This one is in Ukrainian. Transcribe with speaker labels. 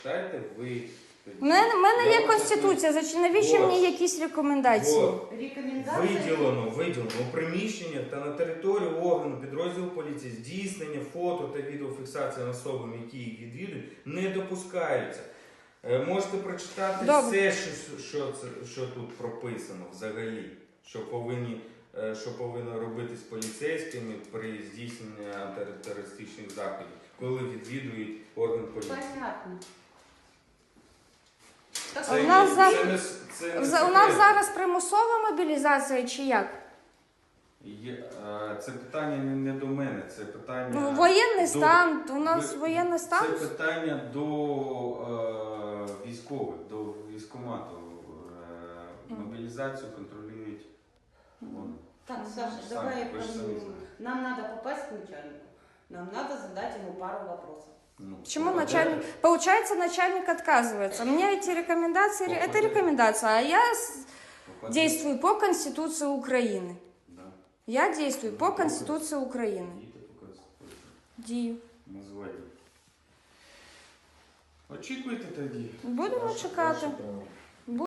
Speaker 1: Читайте ви.
Speaker 2: У мене є Конституція, навіщо мені якісь рекомендації?
Speaker 1: Виділено у приміщеннях та на території органу підрозділу поліції здійснення фото та відеофіксації особами, які їх відвідують, не допускаються. Можете прочитати все, що тут прописано взагалі, що повинно робити з поліцейськими при здійсненні антитерористичних заходів, коли відвідують орган поліції.
Speaker 3: Понятно.
Speaker 2: У нас зараз примусова мобілізація чи як?
Speaker 1: Це питання не до мене, це питання...
Speaker 2: Воєнний стан, у нас воєнний стан?
Speaker 1: Це питання до військових, до військкомату. Мобілізацію контролюють вони.
Speaker 3: Так, Саша, давай, нам надо попасть к начальнику. Нам надо задать ему пару вопросов.
Speaker 2: Почему начальник? Получается, начальник отказывается. У меня эти рекомендации, это рекомендация, а я действую по Конституции Украины.
Speaker 1: Да.
Speaker 2: Я действую по Конституции Украины. Дію.
Speaker 1: Називайте. Очікуйте тоді.
Speaker 2: Будемо чекати.
Speaker 1: Ваше право.